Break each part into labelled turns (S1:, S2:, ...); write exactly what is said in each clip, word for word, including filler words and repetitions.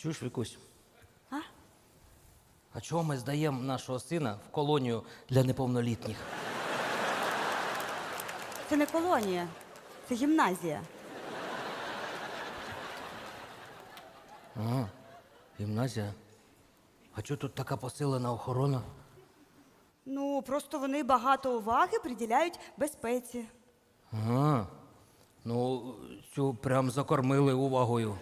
S1: Чуєш, Вікусь?
S2: А?
S1: А чого ми здаємо нашого сина в колонію для неповнолітніх?
S2: Це не колонія, це гімназія.
S1: Ага, гімназія. А чого тут така посилена охорона?
S2: Ну, просто вони багато уваги приділяють безпеці.
S1: Ага. Ну, цю прям закормили увагою.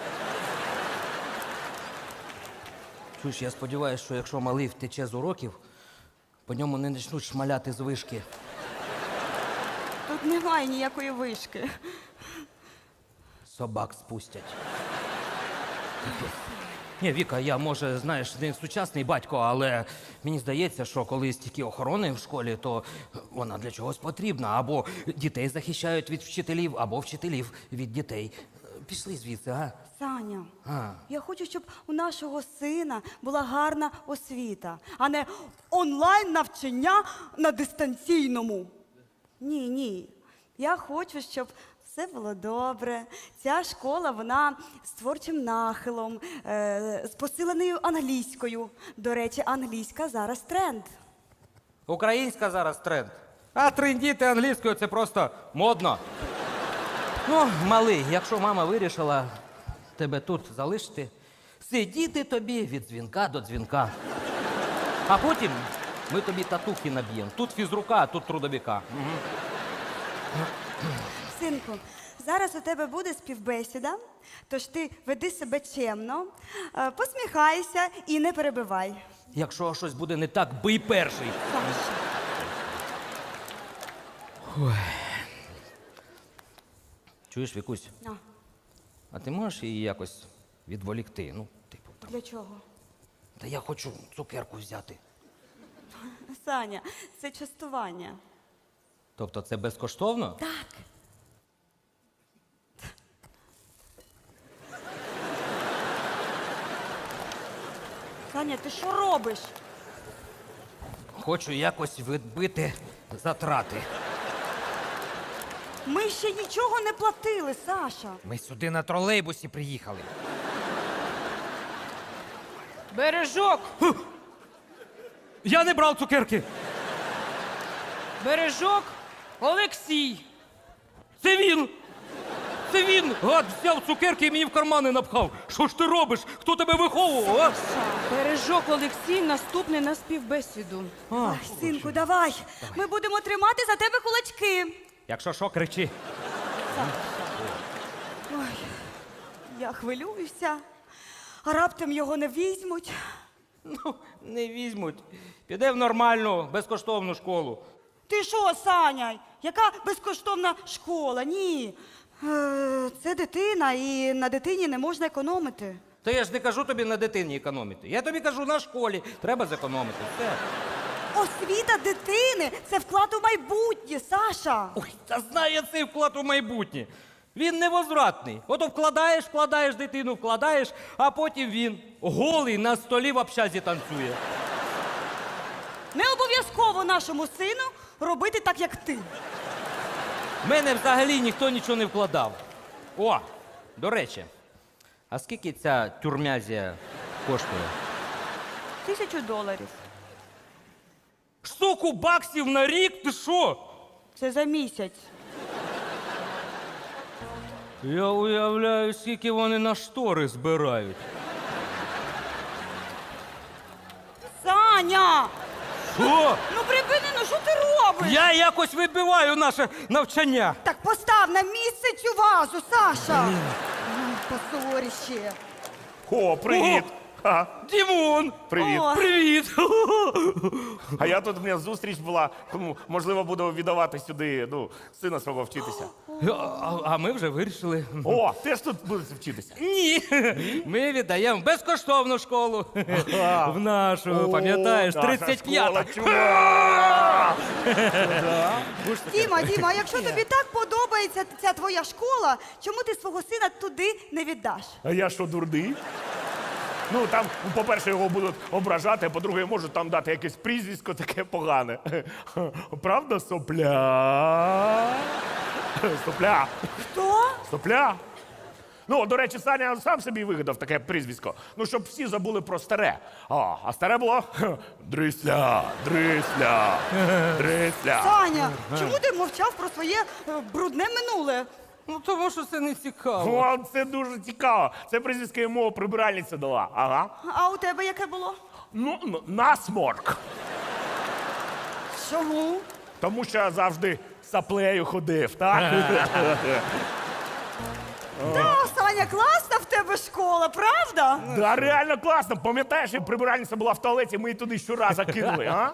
S1: Чуєш, я сподіваюся, що якщо малий втече з уроків, по ньому не почнуть шмаляти з вишки.
S2: Тут немає ніякої вишки.
S1: Собак спустять. Ні, Віка, я, може, знаєш, не сучасний батько, але мені здається, що коли стільки охорони в школі, то вона для чогось потрібна. Або дітей захищають від вчителів, або вчителів від дітей. Пішли звідси, а?
S2: Саня,
S1: А.
S2: я хочу, щоб у нашого сина була гарна освіта, а не онлайн-навчання на дистанційному. Ні, ні. Я хочу, щоб все було добре. Ця школа, вона з творчим нахилом, е, з посиленою англійською. До речі, англійська зараз тренд.
S1: Українська зараз тренд. А трендіти англійською – це просто модно. Ну, малий, якщо мама вирішила тебе тут залишити, сидіти тобі від дзвінка до дзвінка. А потім ми тобі татухи наб'ємо. Тут фізрука, а тут трудовика. Угу.
S2: Синку, зараз у тебе буде співбесіда, тож ти веди себе чемно, е, посміхайся і не перебивай.
S1: Якщо щось буде не так, бий перший.
S2: Саша.
S1: Чуєш, Вікусь,
S2: А,
S1: а ти можеш її якось відволікти? Ну, типу, там.
S2: для чого?
S1: Та я хочу цукерку взяти.
S2: Саня, це частування.
S1: Тобто це безкоштовно?
S2: Так. Саня, ти що робиш?
S1: Хочу якось відбити затрати.
S2: Ми ще нічого не платили, Саша.
S3: Ми сюди на тролейбусі приїхали.
S4: Бережок!
S1: Я не брав цукерки!
S4: Бережок Олексій!
S1: Це він! Це він! Гад взяв цукерки і мені в кармани напхав. Що ж ти робиш? Хто тебе виховував, а?
S4: Бережок Олексій наступний на співбесіду.
S2: Ай, синку, давай. Ми будемо тримати за тебе кулачки.
S1: Якщо що, кричи.
S2: Ой, я хвилююся. А раптом його не візьмуть.
S1: Ну, не візьмуть. Піде в нормальну, безкоштовну школу.
S2: Ти що, Саня? Яка безкоштовна школа? Ні. Е, Це дитина, і на дитині не можна економити.
S1: Та я ж не кажу тобі на дитині економити. Я тобі кажу, на школі треба зекономити. Все.
S2: Освіта дитини – це вклад у майбутнє, Саша.
S1: Ой, та знає цей вклад у майбутнє. Він невозвратний. Ото вкладаєш, вкладаєш дитину, вкладаєш, а потім він голий на столі в общазі танцює.
S2: Не обов'язково нашому сину робити так, як ти.
S1: В мене взагалі ніхто нічого не вкладав. О, до речі, а скільки ця тюрмязія коштує?
S2: Тисячу доларів.
S1: Штуку баксів на рік? Ти що?
S2: Це за місяць.
S1: Я уявляю, скільки вони на штори збирають.
S2: Саня!
S1: Що?
S2: Ну припини, ну що ти робиш?
S1: Я якось вибиваю наше навчання.
S2: Так постав на місце цю вазу, Саша! Ай, позорище.
S5: О, привіт! Ха,
S1: Дімон!
S5: привіт!
S2: О.
S1: Привіт!
S5: А я тут, у мене зустріч була, тому, можливо, буду віддавати сюди, ну, сина свого вчитися.
S1: А, а ми вже вирішили.
S5: О, теж тут будете вчитися?
S1: Ні, ми віддаємо безкоштовну школу. В нашу, пам'ятаєш,
S5: О, наша
S1: тридцять п'ята.
S5: школа, чувак!
S2: Діма, Діма, а якщо тобі так подобається ця твоя школа, чому ти свого сина туди не віддаш?
S5: А я що, дурний? Ну, там, по-перше, його будуть ображати, а по-друге, можуть там дати якесь прізвисько таке погане. Правда, сопля? Сопля.
S2: Хто?
S5: Сопля. Ну, до речі, Саня сам собі вигадав таке прізвисько. Ну, щоб всі забули про старе. А, а старе було Дрисля, Дрисля, Дрисля.
S2: Саня, чому ти мовчав про своє е, брудне минуле?
S1: Ну, тому що це не цікаво.
S5: О, це дуже цікаво. Це прізвисько йому прибиральниця дала. Ага.
S2: А у тебе яке було?
S5: Ну, н- насморк.
S2: Чому?
S5: Тому що я завжди саплею ходив, так?
S2: Та, Саня, класна в тебе школа, правда?
S5: Да, реально класно. Пам'ятаєш, як прибиральниця була в туалеті, ми її туди щоразу кинули, а?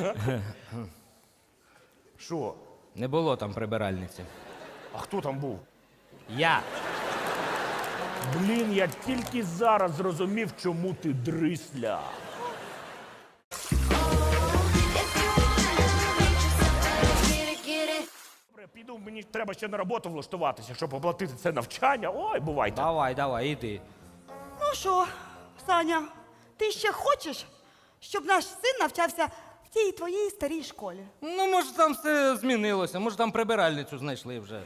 S5: Що?
S1: Не було там прибиральниці.
S5: А хто там був?
S1: Я.
S5: Блін, я тільки зараз зрозумів, чому ти дрисля. Добре, піду, мені треба ще на роботу влаштуватися, щоб оплатити це навчання. Ой, бувайте.
S1: Давай, давай, іди.
S2: Ну що, Саня, ти ще хочеш, щоб наш син навчався в тій твоїй старій школі?
S1: Ну, може, там все змінилося, може, там прибиральницю знайшли вже.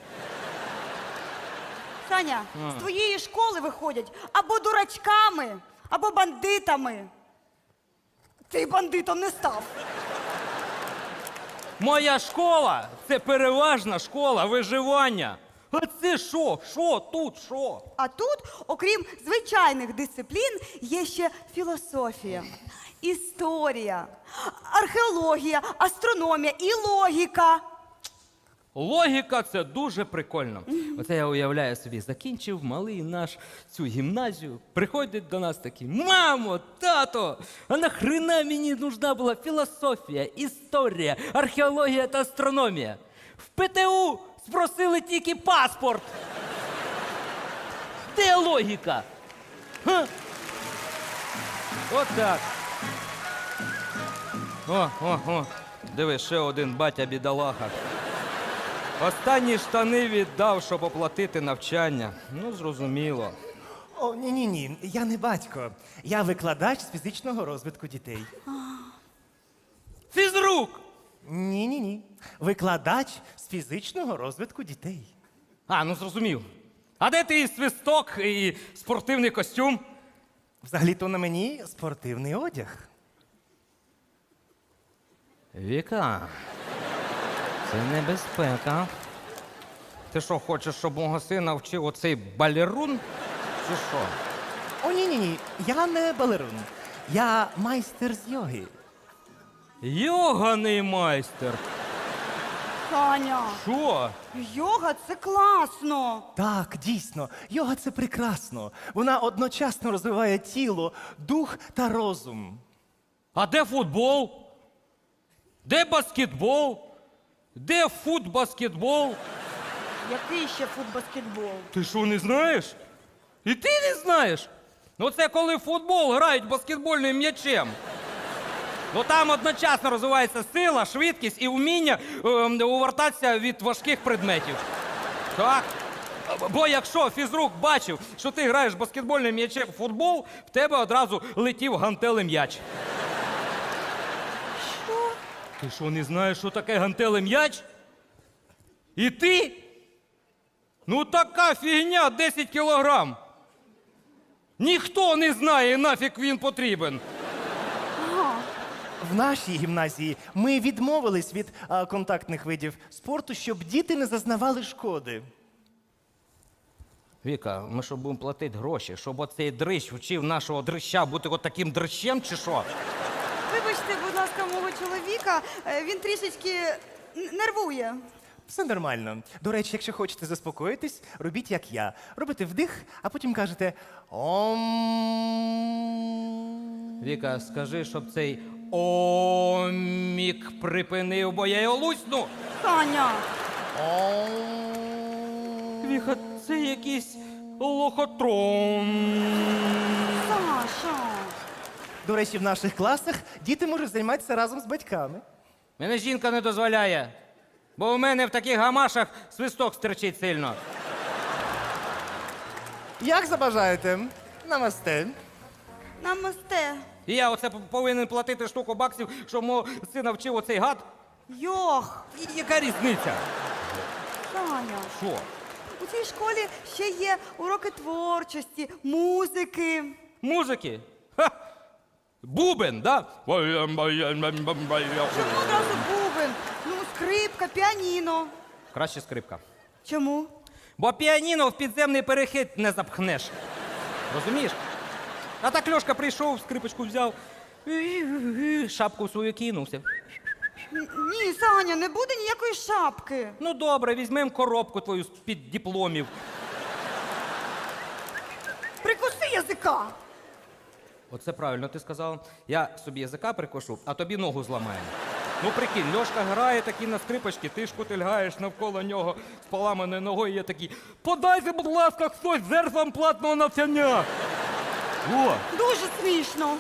S2: Саня, з твоєї школи виходять або дурачками, або бандитами. Ти бандитом не став.
S1: Моя школа це переважна школа виживання. А це що? Що тут? Що?
S2: А тут, окрім звичайних дисциплін, є ще філософія, історія, археологія, астрономія і логіка.
S1: Логіка це дуже прикольно. Оце я уявляю собі, закінчив малий наш цю гімназію, приходить до нас такий: мамо, тато, а нахрена мені нужна була філософія, історія, археологія та астрономія? В ПТУ спросили тільки паспорт. Де логіка? Ха? От так. О, о, о. Диви, ще один батя бідолаха. Останні штани віддав, щоб оплатити навчання. Ну, зрозуміло.
S6: О, ні, ні, ні. Я не батько. Я викладач з фізичного розвитку дітей.
S1: Фізрук!
S6: Ні, ні, ні. Викладач з фізичного розвитку дітей.
S1: А, ну зрозумів. А де ти і свисток, і спортивний костюм?
S6: Взагалі-то на мені спортивний одяг.
S1: Віка, це небезпека. Ти що, хочеш, щоб мого сина вчив оцей балерун? Чи що?
S6: О, ні, ні, ні. Я не балерун. Я майстер з йоги.
S1: Йоганий майстер.
S2: Саня,
S1: Що?
S2: йога це класно.
S6: Так, дійсно, йога це прекрасно. Вона одночасно розвиває тіло, дух та розум.
S1: А де футбол? Де баскетбол? Де футбаскетбол?
S2: Який ще футбаскетбол?
S1: Ти що, не знаєш? І ти не знаєш? Ну це коли в футбол грають баскетбольним м'ячем. Ну там одночасно розвивається сила, швидкість і вміння е, увертатися від важких предметів. Так. Бо якщо фізрук бачив, що ти граєш баскетбольним м'ячем в футбол, в тебе одразу летів гантелем м'яч.
S2: Що?
S1: Ти що, не знаєш, що таке гантелем м'яч? І ти? Ну така фігня десять кілограм. Ніхто не знає, нафіг він потрібен.
S6: В нашій гімназії ми відмовились від а, контактних видів спорту, щоб діти не зазнавали шкоди.
S1: Віка, ми що будемо платити гроші, щоб оцей дрищ вчив нашого дрища бути от таким дрищем, чи що?
S2: Вибачте, будь ласка, мого чоловіка, е, він трішечки н- нервує.
S6: Все нормально. До речі, якщо хочете заспокоїтись, робіть як я. Робите вдих, а потім кажете ом.
S1: Віка, скажи, щоб цей омік припинив, бо я його лусну.
S2: Саня,
S6: Ом.
S1: Віка, це якийсь лохотрон.
S2: Саша.
S6: До речі, в наших класах діти можуть займатися разом з батьками.
S1: Мене жінка не дозволяє, бо у мене в таких гамашах свисток стерчить сильно.
S6: Як забажаєте? Намасте.
S2: Намасте.
S1: І я оце повинен платити штуку баксів, щоб мого сина вчив оцей гад.
S2: Йох.
S1: І яка різниця?
S2: Саня,
S1: Що?
S2: у цій школі ще є уроки творчості, музики.
S1: Музики? Ха! Бубен, да?
S2: Чому одразу бубен? Ну, скрипка, піаніно.
S1: Краще скрипка.
S2: Чому?
S1: Бо піаніно в підземний перехід не запхнеш. Розумієш? А так Льошка прийшов, скрипочку взяв, шапку свою кинувся.
S2: Н- Ні, Саня, не буде ніякої шапки.
S1: Ну добре, візьмемо коробку твою з-під дипломів.
S2: Прикуси язика.
S1: Оце правильно ти сказала. Я собі язика прикошу, а тобі ногу зламаю. Ну прикинь, Льошка грає такі на скрипочки, ти ж кутильгаєш навколо нього з поламаною ногою, і я такий: подайте, будь ласка, хтось зерфам платного навчання. О!
S2: Дуже смішно.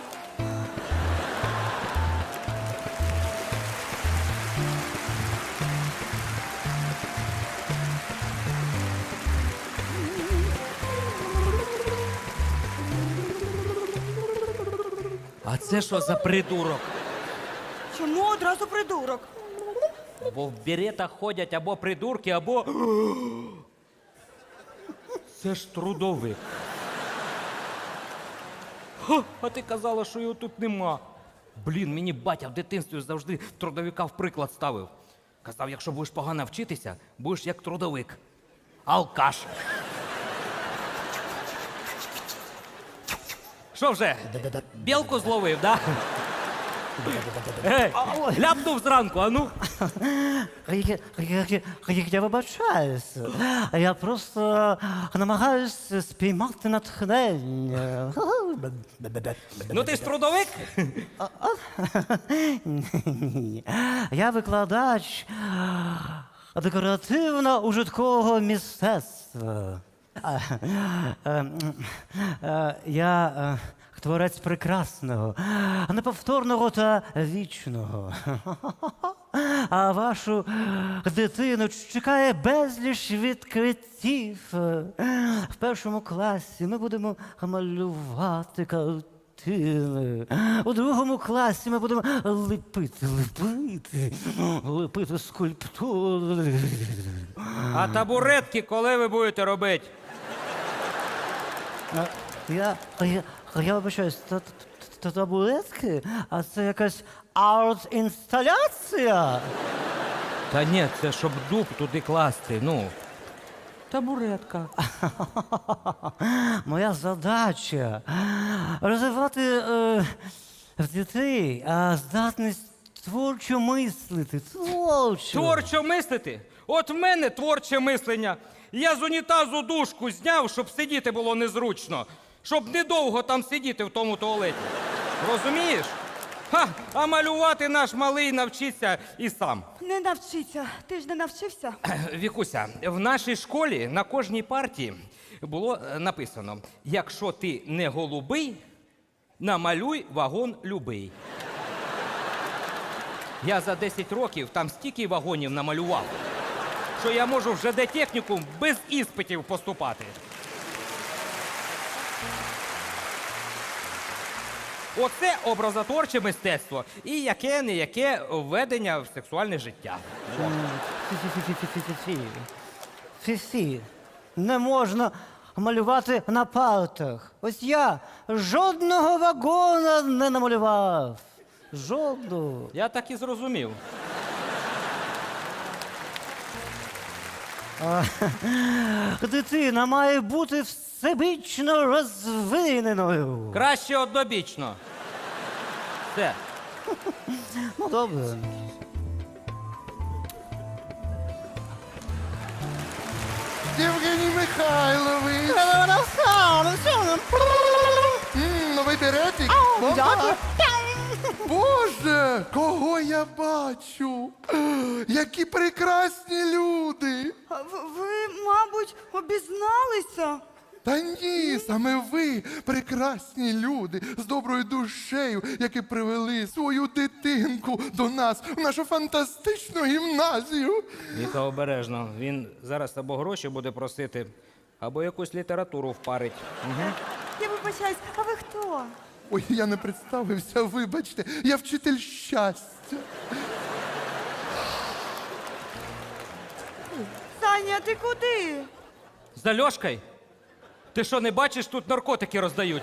S1: А це що за придурок?
S2: Чому одразу придурок?
S1: Бо в беретах ходять або придурки, або. Це ж трудовик. Ха, а ти казала, що його тут нема. Блін, мені батя в дитинстві завжди трудовика в приклад ставив. Казав, якщо будеш погано вчитися, будеш як трудовик. Алкаш. Що вже? Білку зловив, да? Ей, ляпнув зранку, а ну.
S7: Я, я, я, я вибачаюсь. Я просто намагаюся спіймати натхнення.
S1: Ну ти ж трудовик?
S7: Ні. Я викладач декоративно-ужиткового мистецтва. А, е, е, Я е, творець прекрасного, неповторного та вічного. А вашу дитину чекає безліч відкриттів. В першому класі ми будемо малювати картини. У другому класі ми будемо ліпити, ліпити, ліпити скульптури.
S1: А табуретки коли ви будете робити?
S7: А, Я, я, я вибачаюсь, та- та- та- табуретки? А це якась арт-інсталяція?
S1: Та ні, це щоб дуб туди класти, ну. Табуретка.
S7: Моя задача розвивати е, в дітей а, здатність творчо мислити. Творчо.
S1: Творчо мислити? От в мене творче мислення. Я з унітазу дужку зняв, щоб сидіти було незручно. Щоб недовго там сидіти в тому туалеті. Розумієш? Ха, а малювати наш малий навчиться і сам.
S2: Не навчиться. Ти ж не навчився?
S1: Вікуся, в нашій школі на кожній парті було е, написано: якщо ти не голубий, намалюй вагон любий. Я за десять років там стільки вагонів намалював, що я можу в ЖД-технікум без іспитів поступати. Оце образотворче мистецтво і яке-не-яке введення в сексуальне життя.
S7: Фі-фі-фі-фі-фі-фі. Фі-фі. Не можна малювати на партах. Ось я жодного вагона не намалював. Жодного.
S1: Я так і зрозумів.
S7: Дитина має бути всебічно розвиненою.
S1: Краще однобічно. Все.
S7: Ну, добре.
S8: Євгеній Михайлович. М, Новий беретик. Бомба. Боже, кого я бачу? Які прекрасні люди.
S2: А в- Ви, мабуть, обізналися?
S8: Та ні, саме ви, прекрасні люди з доброю душею, які привели свою дитинку до нас в нашу фантастичну гімназію.
S1: Віка, обережно. Він зараз або гроші буде просити, або якусь літературу впарить. Угу.
S2: Я вибачаюсь, а ви хто?
S8: Ой, я не представився, вибачте, я вчитель щастя.
S2: Саня, ти куди?
S1: З Альошкою? Ти що, не бачиш, тут наркотики роздають?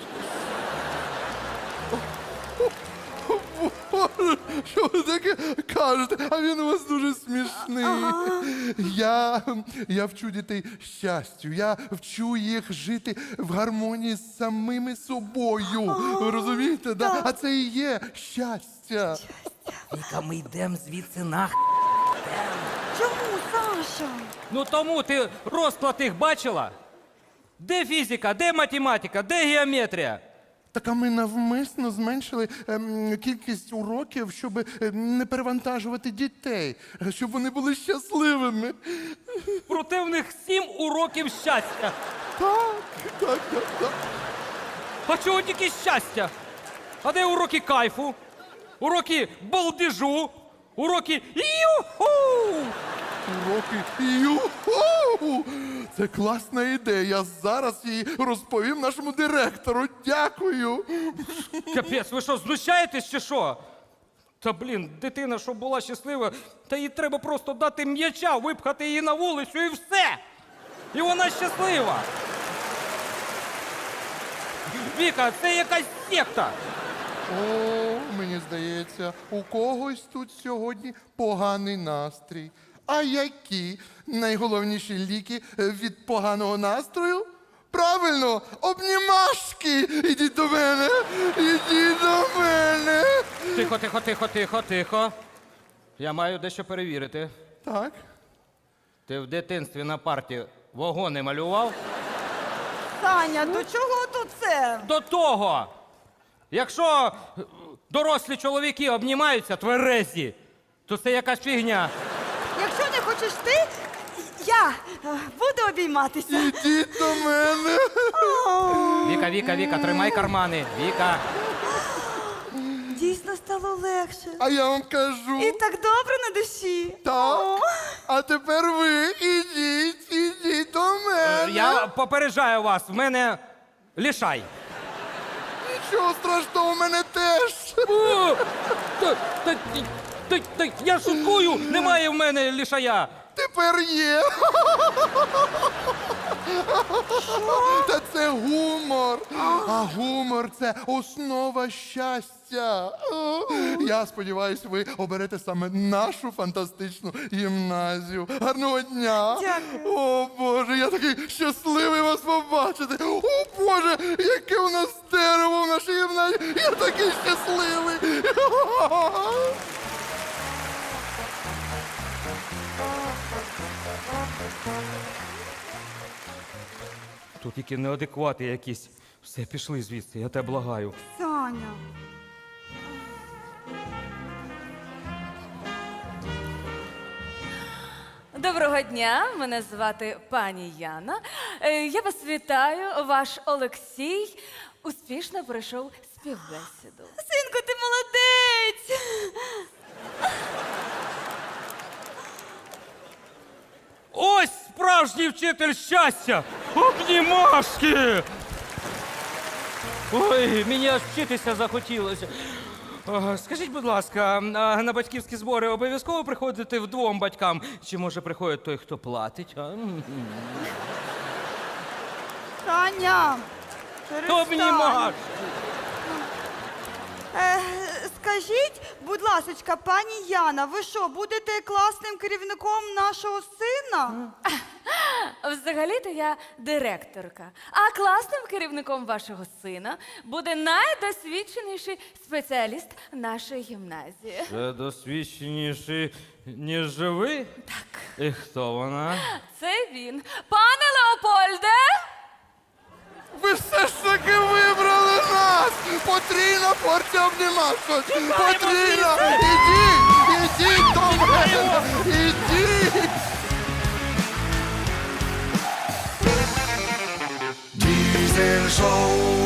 S8: Боже, що ви таке кажете? А він у вас дуже смішний. Я, я вчу дітей щастю. Я вчу їх жити в гармонії з самими собою. Ви розумієте? Да? А це і є щастя.
S1: Віка, ми йдемо звідси нах.
S2: Чому, Саша?
S1: Ну тому ти розклад їх бачила? Де фізика, де математика, де геометрія?
S8: Так а ми навмисно зменшили ем, кількість уроків, щоб ем, не перевантажувати дітей, щоб вони були щасливими.
S1: Проте в них сім уроків щастя.
S8: Так, так, так, так.
S1: А чого тільки щастя? А де уроки кайфу? Уроки балдежу? Уроки юху!
S8: Уроки юху! Це класна ідея. Я зараз її розповім нашому директору. Дякую.
S1: Капець, ви що, знущаєтесь чи що? Та блін, дитина, щоб була щаслива, та їй треба просто дати м'яча, випхати її на вулицю і все. І вона щаслива. Віка, це якась секта.
S8: О, мені здається, у когось тут сьогодні поганий настрій. А які найголовніші ліки від поганого настрою? Правильно, обнімашки! Ідіть до мене! Ідіть до мене!
S1: Тихо, тихо, тихо, тихо, тихо. Я маю дещо перевірити.
S8: Так.
S1: Ти в дитинстві на парті вагони малював?
S2: Саня, до чого тут це?
S1: До того! Якщо е, дорослі чоловіки обнімаються тверезі, то це якась фігня.
S2: Якщо не хочеш ти, я е, буду обійматися.
S8: Ідіть до мене!
S1: Віка, Віка, Віка, тримай кармани. Віка.
S2: Дійсно стало легше.
S8: А я вам кажу.
S2: І так добре на душі.
S8: Так.
S2: О.
S8: А тепер ви ідіть, ідіть до мене.
S1: Я попереджаю вас, в мене лішай.
S8: Нічого страшного, у мене теж.
S1: О, та, та, та, та, я шуткую, немає в мене лішая.
S8: Тепер є. Та це гумор. А гумор це основа щастя. О, я сподіваюся, ви оберете саме нашу фантастичну гімназію. Гарного дня.
S2: Дякую.
S8: О, Боже, я такий щасливий вас побачити. О, Боже, яке у нас дерево в нашій гімназії. Я такий щасливий.
S1: Тут тільки неадеквати якісь. Все, пішли звідси, я тебе благаю.
S2: Саня.
S9: Доброго дня, мене звати пані Яна. Е, Я вас вітаю. Ваш Олексій успішно пройшов співбесіду.
S2: Синку, ти молодець.
S1: Ось справжній вчитель щастя! Обнімашки! Ой, мені аж вчитися захотілося. О, скажіть, будь ласка, а на батьківські збори обов'язково приходити вдвом батькам? Чи може приходить той, хто платить? А?
S2: Саня. перестань.
S1: Обнімашки!
S2: Е, скажіть, будь ласочка, пані Яна, ви що, будете класним керівником нашого сина?
S9: Взагалі-то я директорка, а класним керівником вашого сина буде найдосвідченіший спеціаліст нашої гімназії.
S1: Це досвідченіший, ніж ви? Так. І хто вона?
S9: Це він. Пане Леопольде!
S8: Ви все ж таки вибрали нас! Потрійна порція обнімашок! Потрійна! Ідіть! Ідіть до мене! Ідіть!
S10: Diesel Show.